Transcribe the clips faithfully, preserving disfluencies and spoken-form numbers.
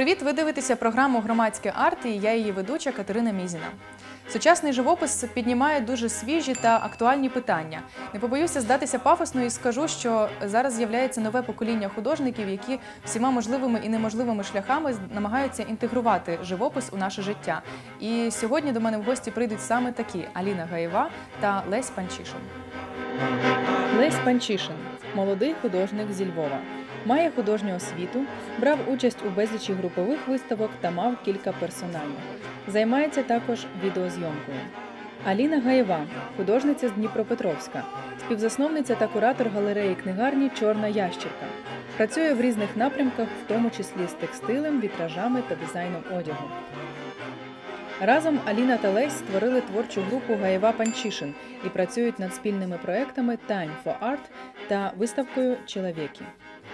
Привіт! Ви дивитеся програму «Громадське арт» і я її ведуча Катерина Мізіна. Сучасний живопис піднімає дуже свіжі та актуальні питання. Не побоюся здатися пафосно і скажу, що зараз з'являється нове покоління художників, які всіма можливими і неможливими шляхами намагаються інтегрувати живопис у наше життя. І сьогодні до мене в гості прийдуть саме такі – Аліна Гаєва та Лесь Панчишин. Лесь Панчишин – молодий художник зі Львова. Має художню освіту, брав участь у безлічі групових виставок та мав кілька персональних. Займається також відеозйомкою. Аліна Гаєва – художниця з Дніпропетровська, співзасновниця та куратор галереї-книгарні «Чорна ящірка». Працює в різних напрямках, в тому числі з текстилем, вітражами та дизайном одягу. Разом Аліна та Лесь створили творчу групу «Гаєва Панчишин» і працюють над спільними проектами «Time for Art» та виставкою «Чоловіки».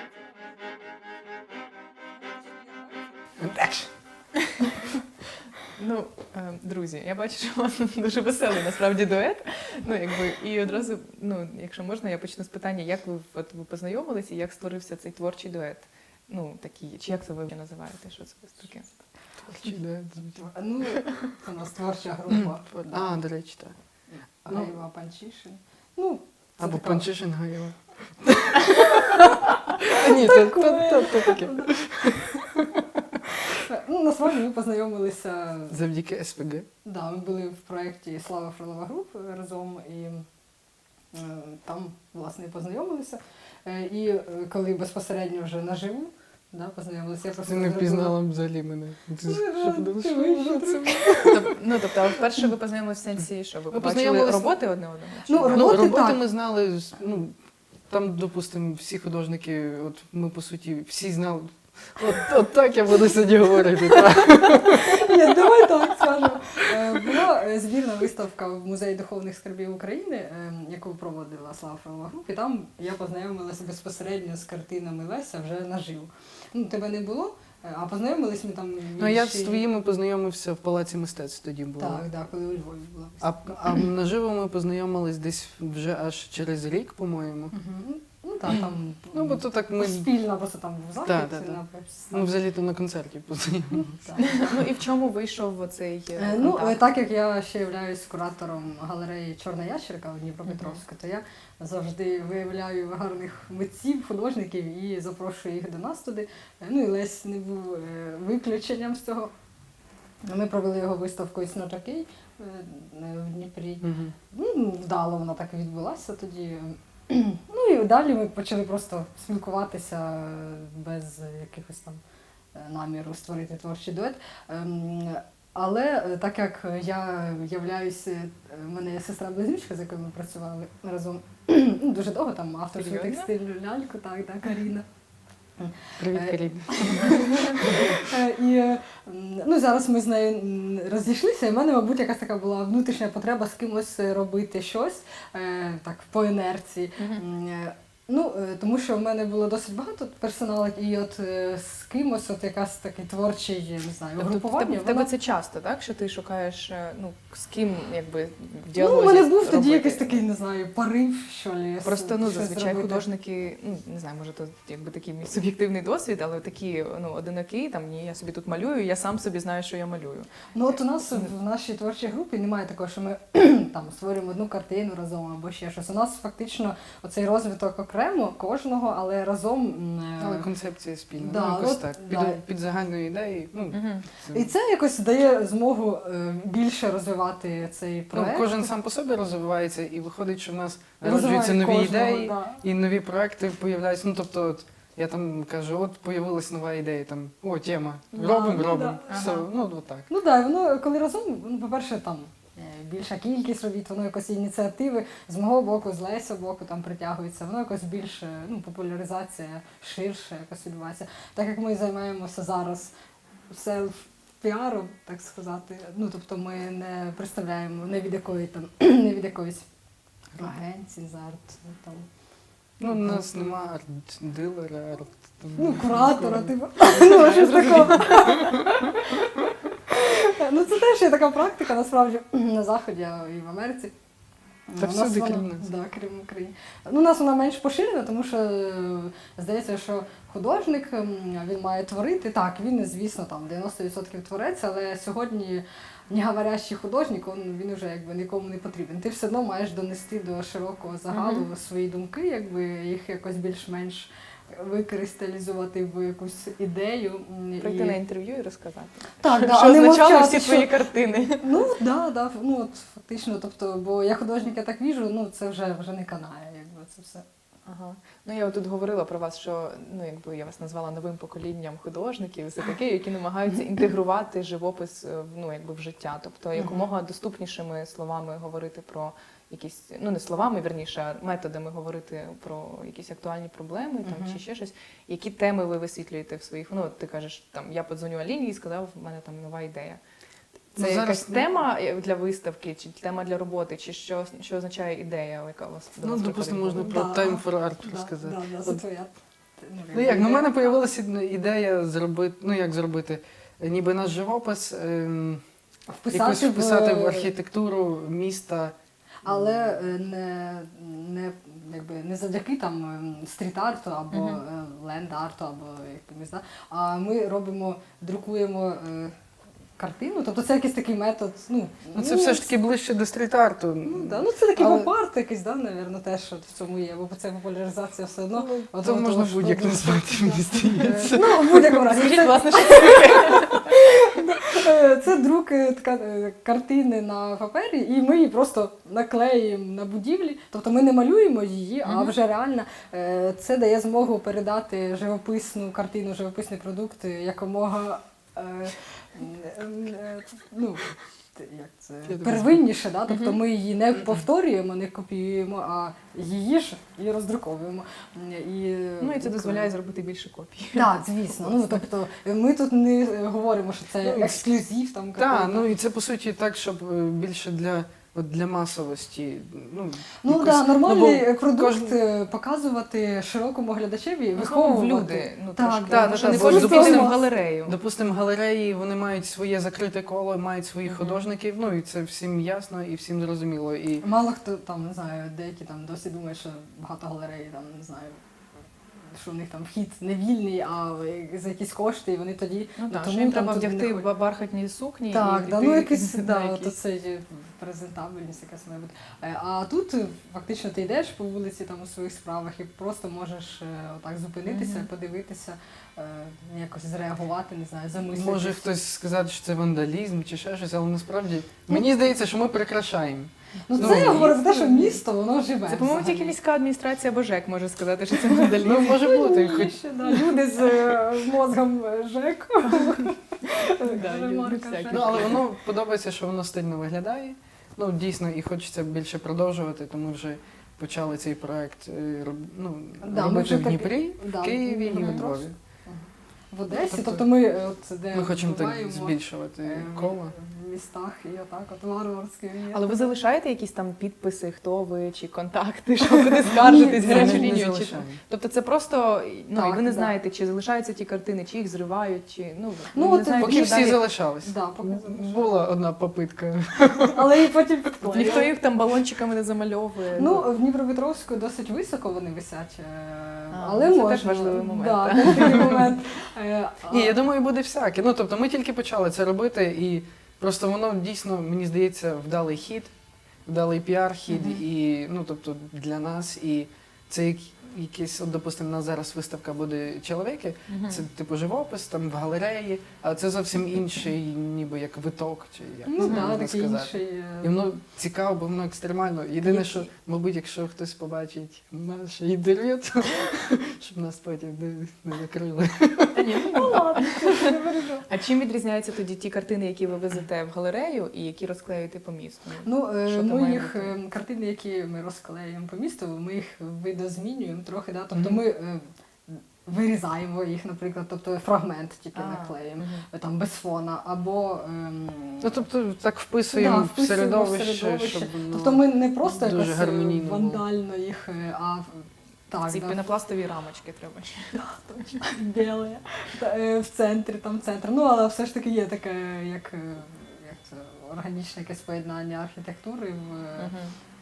Ну, друзі, я бачу, що у вас дуже веселий, насправді, дует. Ну, якби, і одразу, ну, якщо можна, я почну з питання, як ви, от, ви познайомилися і як створився цей творчий дует? Ну, такий, чи як це ви називаєте, що це таке? Творчий дует. Ну, це у нас творча група. А, до речі, так. Гаєва Панчишин. Ну, або така... Панчишин Гаєва. Ні, то таке. Ну, насправді ми познайомилися... Завдяки ес пе ге? Да, ми були в проєкті «Слава Фролова Груп» разом, і е, там, власне, і познайомилися. Е, і коли безпосередньо вже наживу, да, познайомилися, я просто... Ти не впізнала взагалі мене. Ти Ну, тобто, вперше ви познайомилися в сенсі, що ви Ми побачили роботи одне одного? Ну, Ну, роботи, роботи так. ми знали, ну, там, допустимо, всі художники, от ми, по суті, всі знали. От, от так я буду сьогодні говорити. Ні, давай так скажемо. Була збірна виставка в Музеї духовних скарбів України, яку проводила Слава Фролова Груп, і там я познайомилася безпосередньо з картинами Леся вже наживо. Ну, тебе не було, а познайомились ми там... Ну, я з твоїми познайомився в Палаці мистецтв тоді було. Так, так, коли у Львові була А, виставка. а наживо ми познайомились десь вже аж через рік, по-моєму. Угу. Ну так, там Ну, бо то так ми... спільно просто там в захід. Так, так, так. на Ну, взагалі-то на концерті познайомилися. Так. Ну, і в чому вийшов оцей Е, Ну, контакт? так як я ще являюсь куратором галереї «Чорна ящірка» у Дніпропетровську, то я завжди виявляю гарних митців, художників і запрошую їх до нас туди. Е, Ну і Лесь не був е, виключенням з цього. Ми провели його виставку «It's not okay» е, в Дніпрі. Мгм. Ну, вдало вона так відбулася тоді. Ну і далі ми почали просто спілкуватися без якихось там наміру створити творчий дует. Ем, Але так як я являюся, в мене є сестра-близнючка, з якою ми працювали разом ну, дуже довго, там авторську Серйозно? текстильну ляльку, так, так, Каріна. Привіт, Е, Каріна. І ну, зараз ми з нею розійшлися, і в мене, мабуть, якась така була внутрішня потреба з кимось робити щось е, так, по інерції. Мгм. Е, Ну, е, тому що в мене було досить багато персоналу, і от е, з кимось от якась такий творчий, я не знаю, Тобто, в групування. тебе, в тебе воно- це часто, так? Що ти шукаєш, е, ну, з ким, якби, в Ну, діалозі у мене був тоді робити? якийсь такий, не знаю, порив, що ли. Просто, ну, щось зазвичай зробити. художники, ну, не знаю, може, то якби такий мій суб'єктивний досвід, але такі, ну, одинокі, там, ні, я собі тут малюю, я сам собі знаю, що я малюю. Ну от у нас в нашій творчій групі немає такого, що ми там створюємо одну картину разом або ще щось. У нас фактично оцей розвиток окремо кожного, але разом. м, е, Але концепція спільна, Да, ну, якось от, так. да. Під, під загальною ідеєю, ну, Мгм. це- І це якось дає змогу е, більше розвивати цей ну, проект. кожен сам по собі розвивається, і виходить, що в нас Розвиває народжуються нові кожного, ідеї, да. і нові проекти появляються. Ну, тобто, от, я там кажу, от появилась нова ідея, там, о, тема, Да, робимо, ну, робимо. да. Все, Ага. ну, от так. Ну так, воно коли разом, ну, по-перше, там е, більша кількість робіт, воно якось ініціативи з мого боку, з Леся боку там притягується, воно якось більше, ну, популяризація ширше якось відбувається. Так як ми займаємося зараз селф-піаром, так сказати, ну, тобто ми не представляємо не від якої там, не від якоїсь агенції з арт, там, Ну, у нас нема арт-дилера, арт... там, ну, куратора, типу, ну, щось такого. Ну, це теж є така практика, насправді, на Заході і в Америці. Та У нас всюди, вона- крім нас. Да, крім України. Ну, у нас вона менш поширена, тому що е, здається, що художник м, він має творити. Так, він, звісно, там дев'яносто відсотків творець, але сьогодні не говорящий художник, він, він вже якби нікому не потрібен. Ти все одно маєш донести до широкого загалу Мгм. свої думки, якби їх якось більш-менш викристалізувати в якусь ідею. м, Прийти на інтерв'ю і розказати. Так, да, що а не означали мовчати, всі що- твої картини. Ну, да, да, ну от фактично, тобто, бо я художника так віжу, ну це вже вже не канає, якби це все. Ага. Ну я тут говорила про вас, що ну якби я вас назвала новим поколінням художників, і все таке, які намагаються інтегрувати живопис е, в, ну якби в життя, тобто якомога доступнішими словами говорити про якісь, ну не словами, вірніше, а методами говорити про якісь актуальні проблеми там Мгм. чи ще щось. Які теми ви висвітлюєте в своїх? Ну от ти кажеш, там я подзвоню Аліні і сказав, в мене там нова ідея. Це Ну, зараз, якась ну- тема для виставки, чи тема для роботи, чи що, що означає ідея, яка у вас до Ну, вас допустимо, приходить в можна голову? про Да. Time for Art Да, розказати. да, да, це От, твоя. ну як, ну в ідея. мене з'явилася ідея зробити, ну як зробити, ніби наш живопис ем, якось вписати, вписати в в архітектуру міста. але е, не, не, якби, не завдяки там ем, стріт-арту або Мгм. е, ленд-арту, або якимось, да? А ми робимо, друкуємо е, картину, тобто це якийсь такий метод. Ну, Ну це все ж таки ближче до стріт-арту. Ну, да. ну це такий Але- поп-арт якийсь, да, навірно, теж от в цьому є, бо це популяризація все одно. Ну, одного то можна того, що будь-як дуже- назвати, мені Да. здається. Е, Ну, в будь-якому разі. Скажіть, Це, власне, що це таке? е, це друк е, така, е, картини на папері, і ми її просто наклеїмо на будівлі. Тобто ми не малюємо її, а Мгм. вже реально е, це дає змогу передати живописну картину, живописний продукт е, якомога е, е, е, ну, як це, Я тебе первинніше, да? Тобто Мгм. ми її не повторюємо, не копіюємо, а її ж і роздруковуємо. І, Ну і це дозволяє зробити більше копій. Так, звісно. Ну тобто ми тут не говоримо, що це Ну, ексклюзив там. Так, какой-то. ну і це по суті так, щоб е, більше для, от для масовості. Ну, Ну якось- да, нормальний ну, бо продукт кожен- е, показувати широкому глядачеві, Виховувати виховувати. люди. Ну, Так, трошки. да, Так, ну, що не так, кожен допустимо, піде в галерею. Допустимо, галереї вони мають своє закрите коло, мають своїх Мгм. художників, ну і це всім ясно і всім зрозуміло. І Мало хто там, не знаю, деякі там досі думають, що багато галерей там, не знаю, що в них там вхід не вільний, а за якісь кошти, і вони тоді. Ну так, тому що їм там треба туди не вдягти ходять. ба- бархатні сукні Так, і да, піти ну якийсь, на да, якісь. то це є презентабельність якась має бути. Е, А тут е, фактично ти йдеш по вулиці там у своїх справах і просто можеш е, отак зупинитися, Мгм. подивитися, е, якось зреагувати, не знаю, замислитися. може хтось сказати, що це вандалізм чи ще щось, але насправді мені здається, що ми прикрашаємо. Ну ну, це я і- говорю про те, що місто, воно живе. Це, по-моєму, взагалі. тільки міська адміністрація або ЖЕК може сказати, що це вандалізм. Ну, може бути, хоч Ще, да, люди з е, мозгом ЖЕКу. Да, люди Ремарка всякі. ЖЕКу. ну, але воно подобається, що воно стильно виглядає. Ну, дійсно, і хочеться більше продовжувати, тому вже почали цей проект е, роб- ну, Да, ми робити вже в так- Дніпрі, да, в Києві і в Дніпропетровськ. Львові. В Одесі, Тобто тобто ми е, от де Ми хочемо так буваємо, збільшувати е, коло. в містах і отак, от варварське. Але ви залишаєте якісь там підписи, хто ви, чи контакти, що куди скаржитись, Ні, гарячу Ми не лінію? Чи... залишаємо. Тобто це просто, ну, Так, і ви не да. знаєте, чи залишаються ті картини, чи їх зривають, чи, ну, Ну, ви не от знаєте, Поки що всі далі. залишались. Да, поки залишались. Була одна попитка. Але і потім підклеїли. Ніхто їх там балончиками не замальовує. Ну, в Дніпропетровську досить високо вони висять, е, А, але це можна. теж важливий момент, Да, так. такий момент. Е, а- Ні, я думаю, буде всяке. Ну, тобто ми тільки почали це робити, і просто воно дійсно, мені здається, вдалий хід, вдалий піар-хід, Мгм. і, ну, тобто, для нас, і це як, якийсь, от, допустимо, у нас зараз виставка буде чоловіки, Мгм. це типу живопис, там в галереї, а це зовсім інший, ніби як виток, чи як Ну, це да, можна такий сказати. інший. е, І воно цікаво, бо воно екстремально. Єдине, Є- що, мабуть, якщо хтось побачить наше інтерв'ю, то щоб нас потім не, не закрили. Та ні, ну, Ну ладно, це не бережу. А чим відрізняються тоді ті картини, які ви везете в галерею і які розклеюєте по місту? Ну, е, Що там ми має їх бути? е, картини, які ми розклеюємо по місту, ми їх видозмінюємо трохи, да? тобто Мгм. ми е, вирізаємо їх, наприклад, тобто фрагмент тільки А, наклеїмо, мгм. е, там без фона, або ем, Ну, тобто, так вписуємо Да, в вписуємо в середовище, середовище. щоб воно... тобто ми не просто дуже якось е, гармонійно було. вандально їх, е, а в- так, Ці да, пінопластові рамочки треба ще. біле, та, е, в центрі, там центр. Ну, але все ж таки є таке, як, е, як це, органічне якесь поєднання архітектури в. е, Мгм.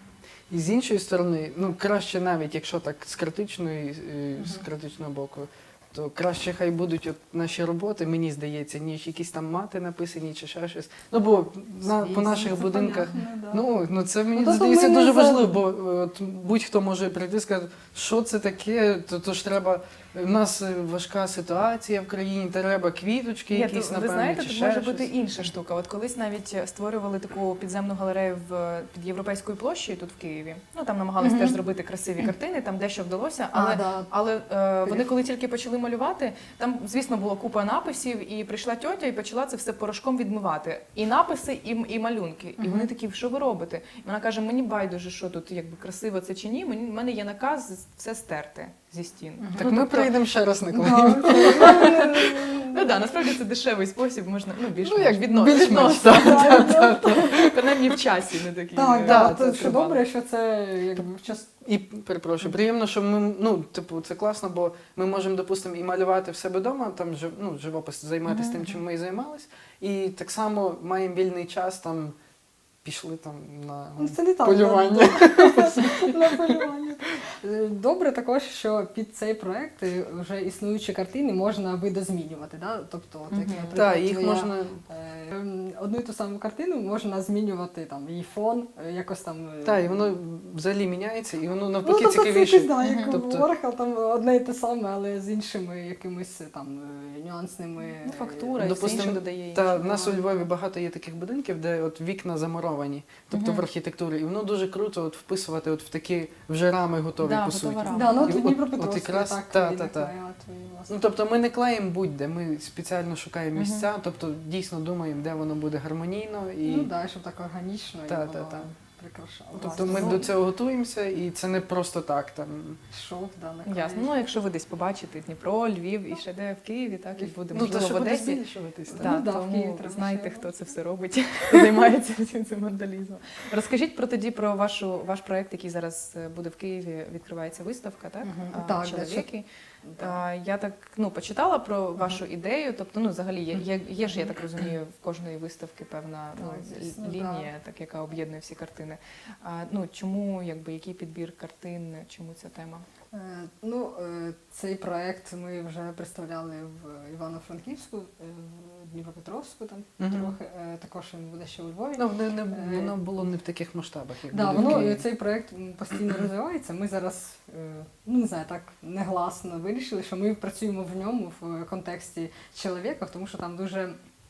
І з іншої сторони, ну краще навіть, якщо так з критичної, е, з Мгм. критичного боку, то краще хай будуть от наші роботи, мені здається, ніж якісь там мати написані чи ще щось. Ну бо на, по Звісно, наших Це будинках. понятно, да. Ну, ну це мені Ну, тобто здається ми не дуже за- важливо, бо е, от, будь-хто може прийти і сказати, що це таке, то, то ж треба, у нас е, важка ситуація в країні, треба квіточки Ні, якісь, то, напевно, ви знаєте, чи тут ще може щось. бути інша штука. От колись навіть створювали таку підземну галерею в під Європейською площею тут в Києві. Ну там намагались Мгм. теж зробити красиві картини, там дещо вдалося, але А, да. Але е, вони коли тільки почали малювати, там, звісно, було купа написів, і прийшла тьотя і почала це все порошком відмивати. І написи, і, і малюнки. І Мгм. вони такі, що ви робите? І вона каже, мені байдуже, що тут якби красиво це чи ні. Мені в мене є наказ все стерти зі стін. Мгм. Так Ну, ми тобто- прийдемо ще раз, Николай. Да, Ну так, насправді це дешевий спосіб, можна ну більш Ну, як відно, більш-менш, відносно. так, так, так. Принаймні в часі не такі. Так, е, да, Да, це це що тривало. добре, що це якби в час. І перепрошую, приємно, що ми, ну, типу, це класно, бо ми можемо, допустимо, і малювати в себе вдома, там жив, ну, живопис, займатися Мгм. тим, чим ми і займались. І так само маємо вільний час, там пішли там на Ну, це не так. полювання. На полювання. Е, Добре також, що під цей проект е, вже існуючі картини можна видозмінювати. Да? Тобто, от, як, Мгм. наприклад, Так, їх твоя, можна. е, ем, одну і ту саму картину можна змінювати там її фон, е, якось там. е, Так, і воно взагалі міняється, і воно Ну, навпаки тобто це цікавіше. якось, да, як Мгм. Тобто- Ворхол, там одне і те саме, але з іншими якимись там е, нюансними. Ну, е, фактура, і все Допустим, інше додає. Та іншого. в нас у Львові багато є таких будинків, де от вікна замуровані, тобто Мгм. в архітектурі. І воно дуже круто от вписувати от в такі вже рами готові, Да, по готова суті. рама. Да, ну І от в от- Дніпропетровську от якраз так та, виникла та, та. от, власне. Ну, тобто ми не клеїмо будь-де, ми спеціально шукаємо Мгм. місця, тобто дійсно думаємо, де воно буде гармонійно. І... Ну так, щоб так органічно Та, і та, воно та. прикрашало. Тобто ми Власне, до ну, цього готуємося, і це не просто так. Там. Шов, да, на Ясно. Ну, якщо ви десь побачите Дніпро, Львів і ще де в Києві, так і буде Ну, можливо та що в буде Одесі. збільшуватись. так. Так, Ну, да, в Києві тому треба знаєте, ще. хто це все робить, хто займається цим, цим вандалізмом. Розкажіть про тоді про вашу ваш проект, який зараз е, буде в Києві. Відкривається виставка, так? Мгм. А, Так, чоловіки. Да. А, я так ну почитала про вашу ідею. Тобто, ну взагалі є, є, є ж, я так розумію, в кожної виставки певна ну, Так, звісно, л- лінія, так яка об'єднує всі картини. А ну чому, якби який підбір картин, чому ця тема? Е, Ну, е, цей проект ми вже представляли в Івано-Франківську, е, в Дніпропетровську там Мгм. трохи, е, також він буде ще у Львові. Ну, не, не, воно було не в таких масштабах, як Да, буде в воно Києві. е, цей проект м, постійно розвивається. Ми зараз е, ну не знаю, так негласно вирішили, що ми працюємо в ньому в контексті чоловіка, тому що там дуже е,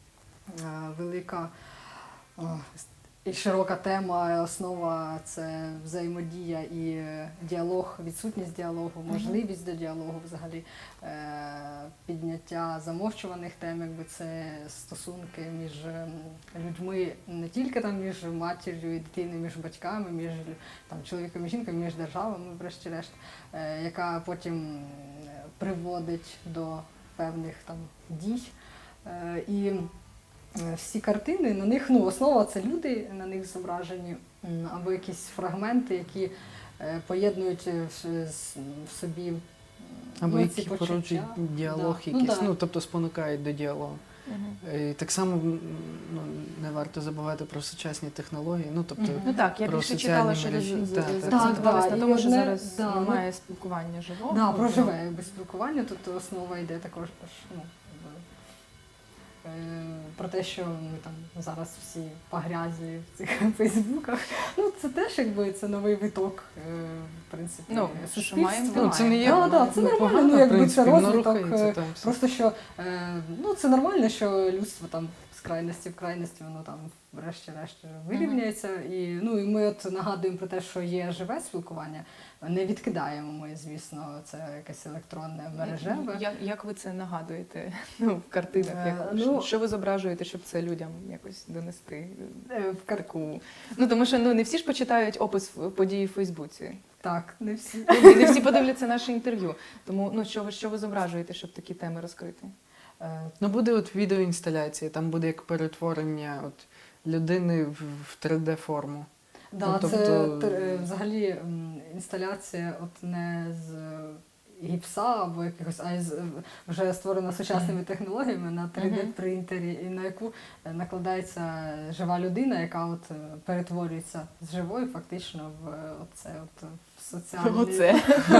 велика о, і широка тема, основа це взаємодія і е, діалог, відсутність діалогу, можливість до діалогу взагалі, е, підняття замовчуваних тем, якби це стосунки між ем, людьми, не тільки там між матір'ю і дитиною, між батьками, між там, чоловіком і жінкою, між державами, врешті-решт, е, яка потім е, приводить до певних там дій. Е, і Е, всі картини, на них, ну, основа це люди, на них зображені, м, або якісь фрагменти, які е, поєднують е, в, с- в собі м, Або ну, ці які почуття. породжують діалог Да. Ну, якийсь, да. ну, тобто спонукають до діалогу. І так само м, ну, не варто забувати про сучасні технології, ну, тобто Мгм. Ну так, я Про більше соціальні читала, що мережі. роз- з- Так, з- так. акцентувалися Так, на і тому, що одне- зараз да, ну, немає спілкування живого. Да, про живе якби, спілкування, тут основа йде також ж, ну, якби, е, про те, що ми там зараз всі погрязли в цих фейсбуках. Ну, це теж якби це новий виток, е, в принципі, Ну, що суспільства. маємо, ну, це не є Да, да, це ну, нормально, погано, ну, в якби принципі, це воно розвиток, рухається е, там все. Просто що е, ну, це нормально, що людство там з крайності в крайності, воно там врешті-решт вирівняється. І, ну, і ми от нагадуємо про те, що є живе спілкування, не відкидаємо ми, звісно, це якесь електронне мережеве. Як, як ви це нагадуєте ну, в картинах? Е, Як, ну- що ви зображуєте, щоб це людям якось донести? Е, в кар... Таку. Ну тому що ну не всі ж почитають опис події в Фейсбуці. Так, не всі. Ну, і не всі подивляться наше інтерв'ю. Тому ну що ви що ви зображуєте, щоб такі теми розкрити? Е, Ну, буде от відеоінсталяція, там буде як перетворення от, людини в, в три де-форму. Да, Ну, це тобто- тр- взагалі м, інсталяція от не з гіпса або якихось, а із, вже створена сучасними технологіями на три де принтері, і на яку е, накладається жива людина, яка от е, перетворюється з живої фактично в е, оце от в соціальне Оце.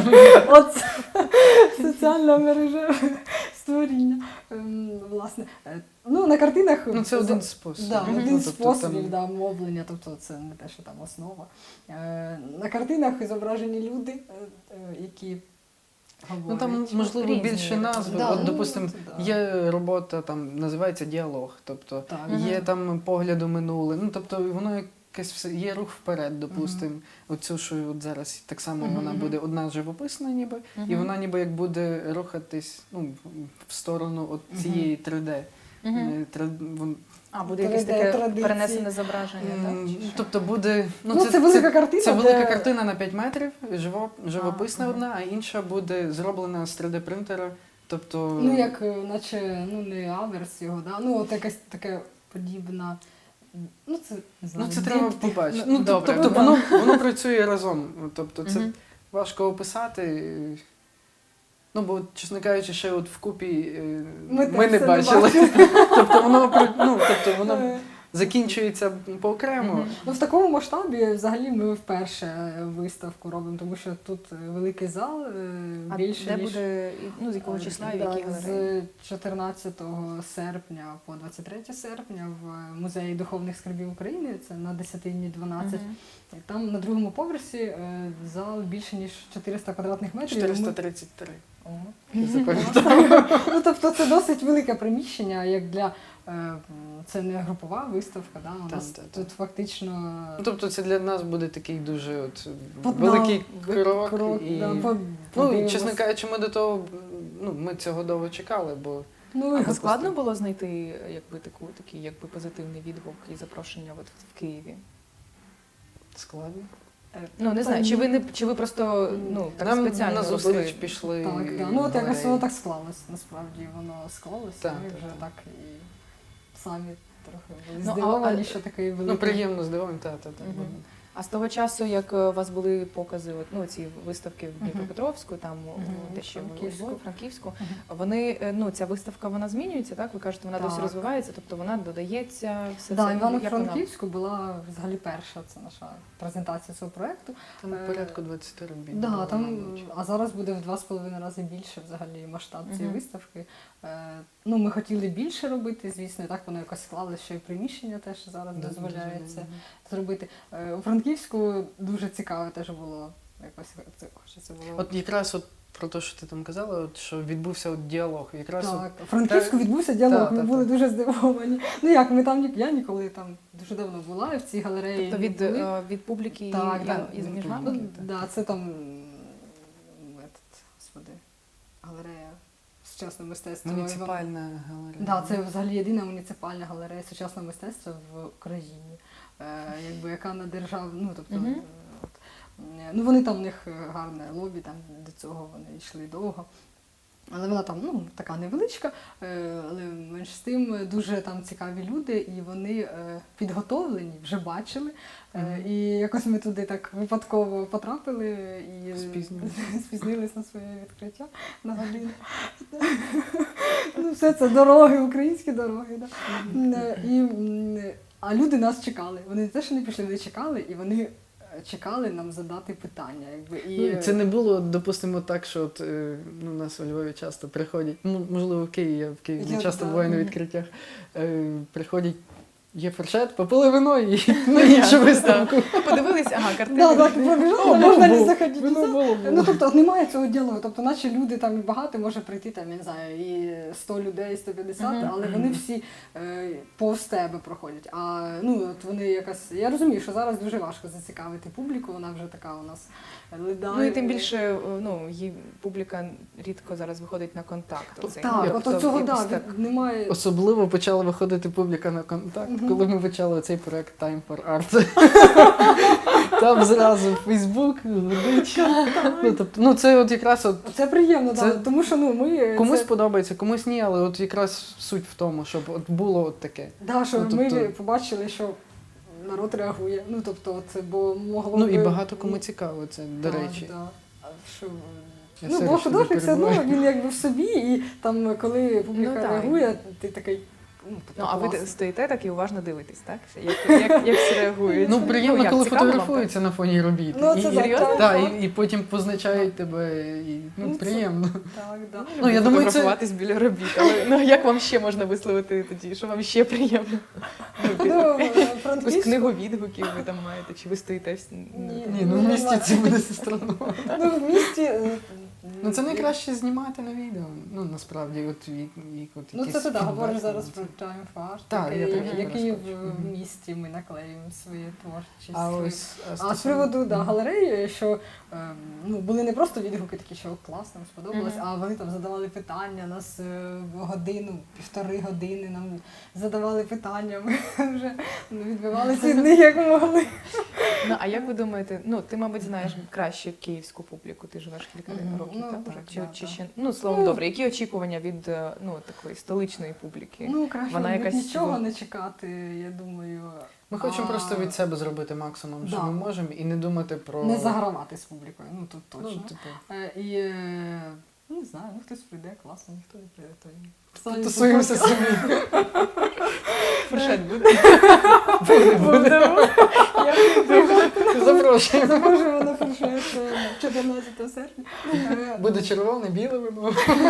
Оце соціальна мережа створіння. Ем, Власне, Е, ну на картинах Ну, це за- один спосіб. Да, Ну, один тобто з способів там- да, мовлення, тобто це не те, що там основа. Е, на картинах зображені люди, е, е, які говорять. Ну там можливо різні. більше назв. Да, От, ну, допустимо, да. є робота, там називається діалог. Тобто Так. є там погляд у минуле. Ну тобто воно якесь все є рух вперед, допустимо. Оцю, що от зараз так само Мгм, вона мгм. буде одна живописна, ніби, і вона ніби як буде рухатись ну, в сторону от цієї три де. Мгм. Е, тре- вон- А, буде якесь три де таке традиції. перенесене зображення, так? М, Чи що? Тобто буде. Ну, це велика картина, Це велика де- картина на п'ять метрів, живо, живописна А, одна, а інша буде зроблена з три де принтера. Тобто. Ну, як, е, наче, ну, не аверс його, да? Ну, от якась таке подібна. Ну, це не знаю. Ну, це треба діптих. побачити. Ну, Ну, добре, тобто ну, воно, воно працює разом. Тобто це Мгм. важко описати. Ну, бо, чесно кажучи, ще от вкупі е, Ми ми, теж не це не бачили. тобто воно при- ну, тобто воно Е, закінчується поокремо. Мгм. Ну, в такому масштабі взагалі ми вперше е, виставку робимо, тому що тут е, великий зал, е, А більше де ніж... буде, і- ну, з якого числа і в Да, якій галереї? з чотирнадцятого серпня по двадцять третє серпня в Музеї духовних скарбів України, це на Десятинні дванадцять. Мгм. І там на другому поверсі е, зал більше ніж чотириста квадратних метрів. чотириста Ми- тридцять три. О. Я запам'ятав. Ну, тобто це досить велике приміщення, як для е, м, це не групова виставка, да? У Так, нас так, тут фактично Ну, тобто це для нас буде такий дуже от, Под- великий да, крок. крок, і... да, по- Ну, подивимось. чесно кажучи, ми до того, ну, ми цього довго чекали, бо Ну, А і- складно було знайти якби таку такий якби позитивний відгук і запрошення от в Києві? складно. Ну не знаю, чи ви не чи ви просто ну так Нам спеціально на зустріч робили? пішли. Так, да. Ну от якось галереї. воно так склалось, насправді воно склалося, Так, ми так, вже так. так і самі трохи були Ну, а- здивовані, а- що такий великий. Ну, приємно здивовані, так, так, так. Мгм. А з того часу, як е, у вас були покази, от, ну ці виставки в Мгм. Дніпропетровську, там у- Мгм. де ще Франківську. у Франківську, Мгм. вони е, ну ця виставка вона змінюється, так? Ви кажете, вона досі Так. розвивається, тобто вона додається все Да, це. Ну, як вона? Івано-Франківську була взагалі перша, це наша презентація цього проєкту. Там Е, порядку двадцять робіт. Да, було, там, мабуть. а зараз буде в два з половиною рази більше взагалі масштаб цієї Мгм. виставки. Е, ну, ми хотіли більше робити, звісно, і так воно якось склалося, що і приміщення теж зараз Да, дозволяється дозволяє. зробити. Е, у Франківську дуже цікаво теж було. Якось це хочеться було. От якраз от про те, що ти там казала, от, що відбувся от діалог. Якраз от, Так, у Франківську та- відбувся діалог, та, ми та, були та. дуже здивовані. Ну як, ми там ні, я ніколи там дуже давно була і в цій галереї. Тобто від, не були. е, від публіки Так, і, так. і, з Ну, між вами? Ну, так. да, це там м, этот, господи, галерея сучасного мистецтва. муніципальна галерея. Да, це взагалі єдина муніципальна галерея сучасного мистецтва в Україні, е, якби яка на держав, ну тобто, Мгм. е, от, е, ну вони там у них гарне лобі, там до цього вони йшли довго. Але вона там ну, така невеличка, е, але менш з тим дуже там цікаві люди, і вони е, підготовлені, вже бачили. Е, Мгм. І якось ми туди так випадково потрапили і Спізнились. спізнились на своє відкриття на годину. Ну, все це дороги, українські дороги. Да. Е, І, м, а люди нас чекали. Вони не те, що не пішли, вони чекали, і вони е, чекали нам задати питання. Якби. І, Ну, це не було, допустимо, так, що от, е, ну, у нас у Львові часто приходять, ну, можливо, в Києві, я в Києві Я- не часто да. буваю на відкриттях, е, приходять, є фуршет, попили вино і на іншу виставку. Ну, подивились, ага, картини. Да, так, пробіжали, О, можна було, не заходити. вино було, було. Ну, тобто немає цього діалогу. Тобто, наче люди там багато може прийти, там, я не знаю, і сто людей, і сто п'ятдесят, Мгм. але вони всі е, повз тебе проходять. А ну, от вони якось. Я розумію, що зараз дуже важко зацікавити публіку, вона вже така у нас ледає. Ну і тим більше, е, ну, її публіка рідко зараз виходить на контакт. оцей. Так, Тобто, от цього якось да, так. від- немає. Особливо почала виходити публіка на контакт, Мгм. коли ми почали цей проект Time for Art. Там зразу Фейсбук, гудить. Ну, тобто, ну, це от якраз от Це приємно, Це- да, тому що ну, ми. комусь це... подобається, комусь ні, але от якраз суть в тому, щоб от було от таке. Да, що Ну, ми тобто- побачили, що народ реагує. Ну, тобто, це бо могло Ну би... і багато кому цікаво це, до Так, речі. Да. А що, Я Ну, все бо ж тобі художник все одно перебиваю. він якби в собі, і там, коли публіка Ну, так. реагує, ти такий. Ну, тобто, Ну, а ви класно. стоїте так і уважно дивитесь, так? Як, як, як всі реагують? Ну, приємно, як, коли цікаво вам, фотографуються на фоні робіт. Ну, І- це і, так, серйозно? так, та, так. і, і потім позначають тебе. І, ну, Ну, це- приємно. Так, да. так? Ну, я думаю, це- Фотографуватись біля робіт, але ну, як вам ще можна висловити тоді, що вам ще приємно? Ну, Ну, Якусь Франківську- книгу відгуків ви там маєте, чи ви стоїте в... Ні. Ні, ну в місті це буде странно. Ну, в місті. е, Ну це найкраще знімати на відео. Ну насправді, от вік, вік от Ну, якийсь це ти так, фідбек, говориш зараз це- про Triumph Art, Так, я який, трохи який в, розкажу. в Мгм. місті ми наклеюємо свої творчість. А ось А з стосовно- приводу да, Мгм. галереї, що е, ну, були не просто відгуки такі, що класно, нам сподобалось, Мгм. а вони там задавали питання, нас е, в годину, півтори години нам задавали питання, ми вже ну, відбивалися від них як могли. Ну, а як ви думаєте, ну, ти, мабуть, знаєш краще київську публіку, ти живеш кілька Мгм. років, Ну, так? так, Уже? Чи, да, чи так. ще, ну, словом, Ну, добре, які очікування від е, ну, такої столичної публіки? Ну, краще Вона від якась нічого була- не чекати, я думаю. Ми хочемо А, просто від себе зробити максимум, що Да. ми можемо, і не думати про Не загравати з публікою, ну тут Ну, точно. типу, Е, І е, ну, не знаю, ну хтось прийде, класно, ніхто не прийде, то й самі тусуємося попробуйте. самі. Фуршет буде? Будемо. Запрошуємо. Запрошуємо на фуршет е, чотирнадцятого серпня. Е, Буде червоне, біле вино.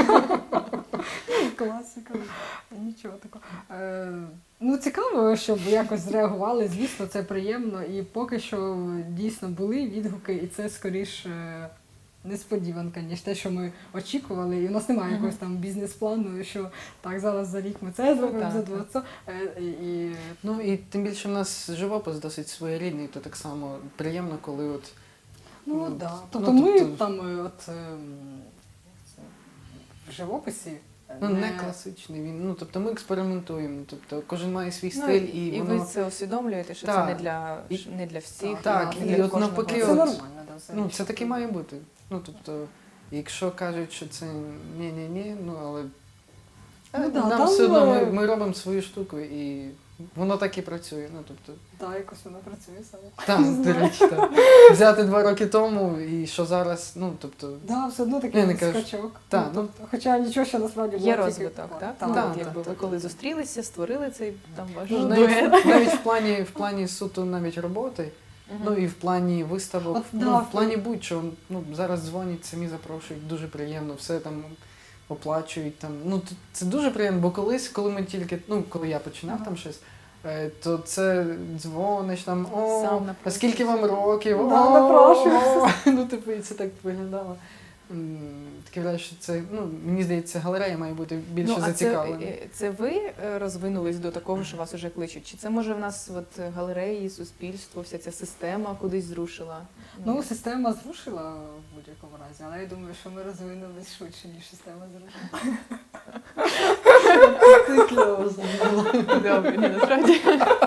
Класика. Нічого такого. Е, Ну, цікаво, щоб якось зреагували. Звісно, це приємно. І поки що дійсно були відгуки, і це скоріше несподіванка, ніж те, що ми очікували. І у нас немає Мгм. якогось там бізнес-плану, що так, зараз за рік ми це зробимо, так, за так. два це. Е, І, Ну і тим більше в нас живопис досить своєрідний, то так само приємно, коли от ну, Ну, да. ну, Тобто ми тобто- там е, от ем, як це, в живописі. е, ну не класичний він. Ну тобто ми експериментуємо. Тобто кожен має свій Ну, стиль, і, і воно ви це усвідомлюєте, що Так. це не для, І- не для всіх. Так, не і для от кожного. навпаки, Це от- нормально, да, все. ну це таки має бути. Ну тобто, якщо кажуть, що це ні-ні-ні, ну але Ну, е, да, нам там, все одно ми, е, ми робимо свою штуку і воно так і працює. Ну тобто, Так, якось воно працює саме. так, Не до знаю. речі, так. Взяти два роки тому і що зараз, ну тобто, Да, все одно Я такий не кажу. скачок. Так, ну, тобто, хоча нічого ще насправді було Є тільки- розвиток, так? Так, Ну, так, от так, якби так. ви коли зустрілися, створили цей там ваш ну, дует. навіть, навіть в плані в плані суто навіть роботи. Мгм. Ну і в плані виставок, От, ну, да, в плані будь-що, ну зараз дзвонять, самі запрошують, дуже приємно, все там оплачують. Там. Ну т- це дуже приємно, бо колись, коли ми тільки, ну коли я починав Ага. там щось, е, то це дзвониш там, о, Сам а напрошуєшся. скільки вам років? Да, О, напрошуєшся. о. Ну, типу, і це так виглядало. М, Таке враження, що це, ну, мені здається, галерея має бути більше Ну, а це, зацікавлена. е, це ви е, розвинулись до такого, що вас уже кличуть? Чи це може в нас от е, галереї, суспільство, вся ця система кудись зрушила? Ну, система зрушила в будь-якому разі, але я думаю, що ми розвинулись швидше, ніж система зрушила. Ти кльово зробила. добре, ні, насправді.